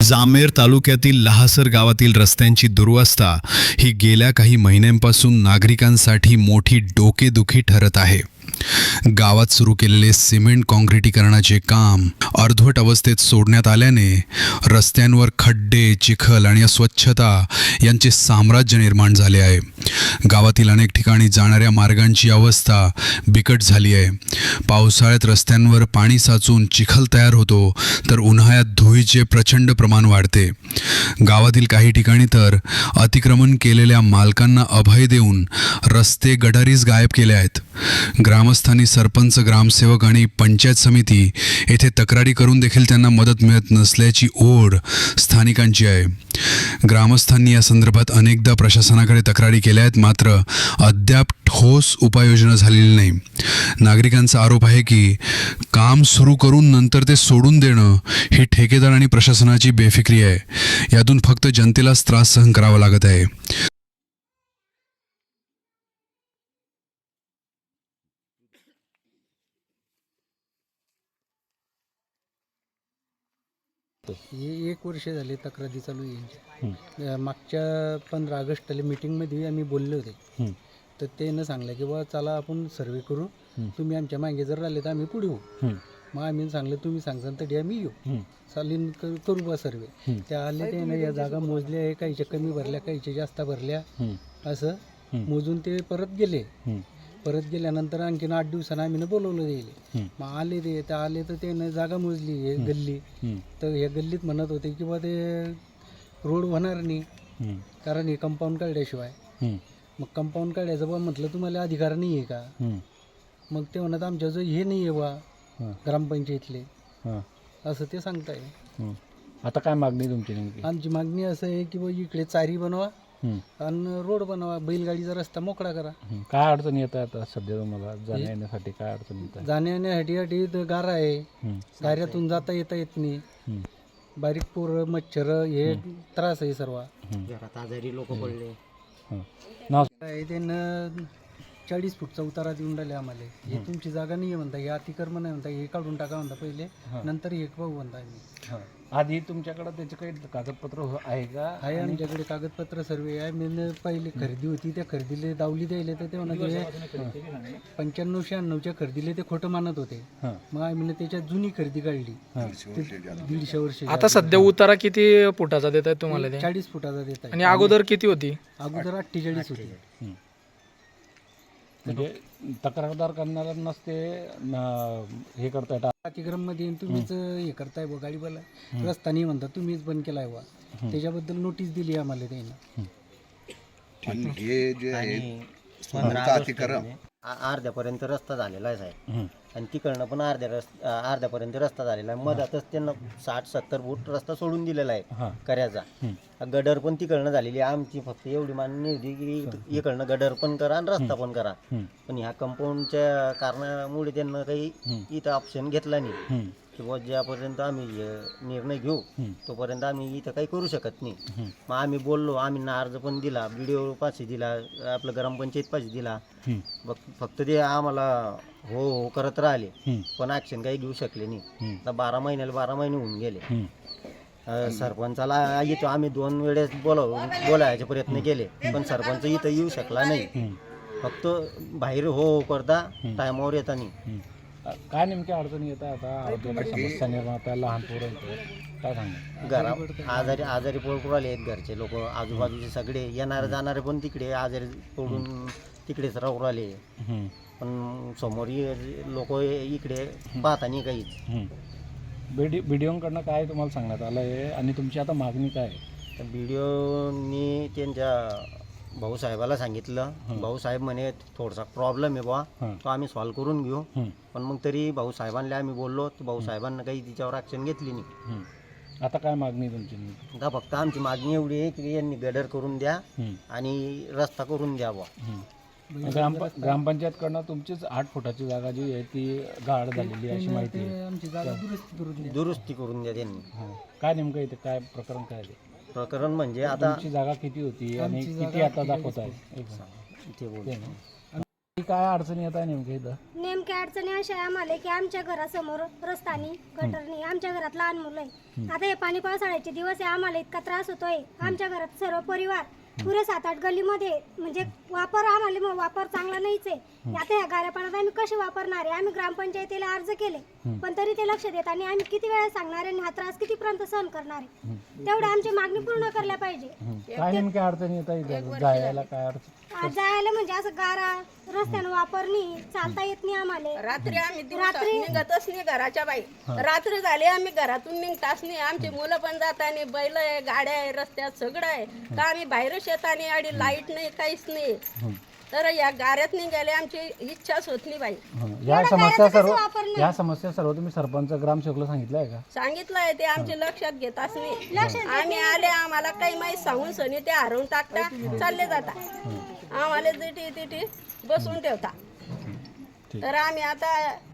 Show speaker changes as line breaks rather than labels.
जामेर तालुक्यातील लहासर गावातील रस्त्यांची दुरवस्था ही गेल्या काही महिन्यांपासून नागरिकांसाठी मोठी डोकेदुखी ठरत आहे. गावात सुरू केलेले सिमेंट काँक्रिटीकरणाचे काम अर्धवट अवस्थेत सोडण्यात आल्याने रस्त्यांवर खड्डे, चिखल आणि अस्वच्छता यांचे साम्राज्य निर्माण झाले आहे. गावातील अनेक ठिकाणी जाणाऱ्या मार्गांची अवस्था बिकट झाली आहे. पावसाळ्यात रस्त्यांवर पाणी साचून चिखल तयार होतो, तर उन्हाळ्यात धुळीचे प्रचंड प्रमाण वाढते. गावातील काही ठिकाणी तर अतिक्रमण केलेल्या मालकांना अभय देऊन रस्ते गटारीच गायब केले आहेत. ग्रामस्थांनी सरपंच, ग्रामसेवक आणि पंचायत समिती येथे तक्रारी करून देखील त्यांना मदत मिळत नसल्याची ओढ स्थानिकांची आहे. ग्रामस्थांनी या संदर्भात अनेकदा प्रशासनाकडे तक्रारी केल्या आहेत, मात्र अद्याप ठोस उपाययोजना झालेली नाही. नागरिकांचा आरोप आहे की काम सुरू करून नंतर ते सोडून देणं ही ठेकेदार आणि प्रशासनाची बेफिक्री आहे. यातून फक्त जनतेलाच त्रास सहन करावा लागत आहे.
हे 1 वर्ष झाले तक्रारी चालू आहे. मागच्या 15 ऑगस्टला मीटिंगमध्ये आम्ही बोलले होते, तर त्यानं सांगलं की बा चला आपण सर्वे करू, तुम्ही आमच्या मागे जर राहिले तर आम्ही पुढे होऊ. मग आम्ही सांगलं तुम्ही सांगता तरी आम्ही येऊ, चालेल करू बा सर्वे. त्या आले त्यानं या जागा मोजल्या आहे, काहीच्या कमी भरल्या, काहीच्या जास्त भरल्या, असं मोजून ते परत गेले. परत गेल्यानंतर आणखीन 8 दिवसांना आम्ही बोलवलं गेले. मग आले ते तर आले तर त्यानं जागा मोजली हे गल्ली. तर या गल्लीत म्हणत होते की बा ते रोड होणार नाही, कारण हे कंपाऊंड काढल्याशिवाय. मग कंपाऊंड काढायचं बा म्हटलं तुम्हाला अधिकार नाही आहे का? मग ते म्हणत आमच्याजवळ हे नाही आहे बा ग्रामपंचायतले, असं ते सांगताय.
आता काय मागणी तुमची नेमकी?
आमची मागणी असं आहे की बा इकडे चारी बनवा आणि रोड बनवा, बैलगाडीचा रस्ता मोकळा करा.
काय अडचण येत आहे आता सध्या तुम्हाला जाण्या येण्यासाठी? काय अडचण येत आहे?
जाण्या येण्यासाठी तर गारा आहे, गाऱ्यातून जाता येत नाही. बारीक पोरं, मच्छर हे त्रास आहे सर्व.
घरात आजारी लोक पडले.
त्यानं 40 फूटचा उतारा देऊन राहिले आम्हाला. हे तुमची जागा नाही आहे म्हणता, हे अतिक्रमण आहे म्हणता, हे काढून टाका म्हणता पहिले, नंतर हे पाहू म्हणता आम्ही.
आधी तुमच्याकडे त्याचे काही कागदपत्र आहे का?
आहे आमच्याकडे कागदपत्र सर्वे आहे. मी पहिले खरेदी होती, त्या खरेदीला दावली द्यायला तर ते म्हणत 95-96च्या खरेदीला ते खोटं मानत होते. मग आम्ही त्याच्यात जुनी खरेदी काढली, 150 वर्ष.
आता सध्या उतारा किती फुटाचा देत आहे तुम्हाला?
40 फुटाचा देत आहे.
आणि अगोदर किती होती?
अगोदर 48 होती.
म्हणजे तक्रारदार करणाऱ्यांनाच ते हे करताय.
अतिक्रम मध्ये तुम्हीच हे करताय बा, गाडी बोला रस्ता नाही म्हणता, तुम्हीच बंद केलाय बा. त्याच्याबद्दल नोटीस दिली आम्हाला त्यानं.
हे जे आहे अतिक्रम
अर्ध्यापर्यंत रस्ता झालेला आहे साहेब, आणि तिकडनं पण अर्ध्यापर्यंत रस्ता झालेला आहे. मधातच त्यांना 60-70 फूट रस्ता सोडून दिलेला आहे कर्याचा. गडर पण तिकडनं झालेली आहे. आमची फक्त एवढी मान्य होती की इकडनं गडर पण करा आणि रस्ता पण करा, पण ह्या कंपाऊंडच्या कारणामुळे त्यांना काही इथं ऑप्शन घेतला नाही किंवा ज्यापर्यंत आम्ही निर्णय घेऊ तोपर्यंत आम्ही इथं काही करू शकत नाही. मग आम्ही बोललो, आम्ही अर्ज पण दिला, BDO पाशी दिला, आपलं ग्रामपंचायत पाशी दिला. फक्त ते आम्हाला हो करत राहिले, पण ॲक्शन काही घेऊ शकले नाही. आता 12 महिने होऊन गेले. सरपंचाला येतो आम्ही 2 वेळेस बोलायचे प्रयत्न केले, पण सरपंच इथं येऊ शकला नाही. फक्त बाहेर हो करता टायमावर येता नाही.
काय नेमक्या अडचणी येत आहे आता? समस्या निर्माण होता, लहान पोरं काय सांगा?
आजारी पडून राहिले आहेत घरचे लोक, आजूबाजूचे सगळे येणारे जाणारे पण तिकडे आजारी पडून तिकडेच राहू राहिले. पण समोर लोक इकडे पाहता नाही काहीच.
BDOकडनं काय तुम्हाला सांगण्यात आलं आहे आणि तुमची आता मागणी काय आहे?
तर BDOनी त्यांच्या भाऊसाहेबाला सांगितलं. भाऊसाहेब म्हणे थोडासा प्रॉब्लेम आहे बा, तो आम्ही सॉल्व्ह करून घेऊ. पण मग तरी भाऊसाहेबांना आम्ही बोललो, तर भाऊसाहेबांना काही तिच्यावर ॲक्शन घेतली नाही.
आता काय मागणी तुमची?
आता फक्त आमची मागणी एवढी आहे की यांनी गडर करून द्या आणि रस्ता करून द्या बा.
ग्रामपंचायतकडनं तुमचीच 8 फुटाची जागा जी आहे ती गाड झालेली आहे अशी माहिती आहे.
आमची जागा
दुरुस्ती करून द्या त्यांनी.
काय नेमकं इथे काय प्रकरण काय आहे?
प्रकरण म्हणजे आता
तुमची जागा किती होती आणि किती आता दाखवत आहे?
ते बोल
काय अडचणी येत आहे नेमक्या इथं?
नेमक्या अडचणी अशा आहे आम्हाला की आमच्या घरासमोर रस्तानी गटरनी आमच्या घरात लहान मुलं आहे. आता हे पाणी पावसाळ्याचे दिवस आहे, आम्हाला इतका त्रास होतोय. आमच्या घरात सर्व परिवार पुरे 7-8 गल्लीमध्ये म्हणजे वापर चांगला नाहीच आहे. आता ह्या गाऱ्या पाण्यात आम्ही कसे वापरणार आहे? आम्ही ग्रामपंचायतीला अर्ज केले पण तरी ते लक्ष देत आणि आम्ही किती वेळा सांगणार आहे आणि हा त्रास कितीपर्यंत सहन करणार आहे? तेवढ्या आमची मागणी पूर्ण करल्या पाहिजे.
काय नेमक्या अडचणी येतात इथे जायला? काय अडचण?
जायला म्हणजे असं गारा रस्त्यानं वापरणी चालता येत नाही आम्हाला.
रात्री आम्ही निघतच नाही घराच्या बाहेर. रात्र झाली आम्ही घरातून निघताच नाही. आमची मुलं पण जात आणि बैल आहे, गाड्या आहे, रस्त्यात सगळं आहे. तर आम्ही बाहेर शेताने आणि लाईट नाही, काहीच नाही. तर या गाड्यात निघाले आमची इच्छाच होत नाही बाई.
या समस्या सर्व तुम्ही सरपंच ग्रामसेवकला सांगितलं आहे का?
सांगितलं आहे ते आमच्या लक्षात घेताच नाही. आम्ही आले आम्हाला काही माहीत सांगून सनी ते हरवून टाकता चालले जाता. आम्हाला तिथे बसून ठेवता. तर आम्ही आता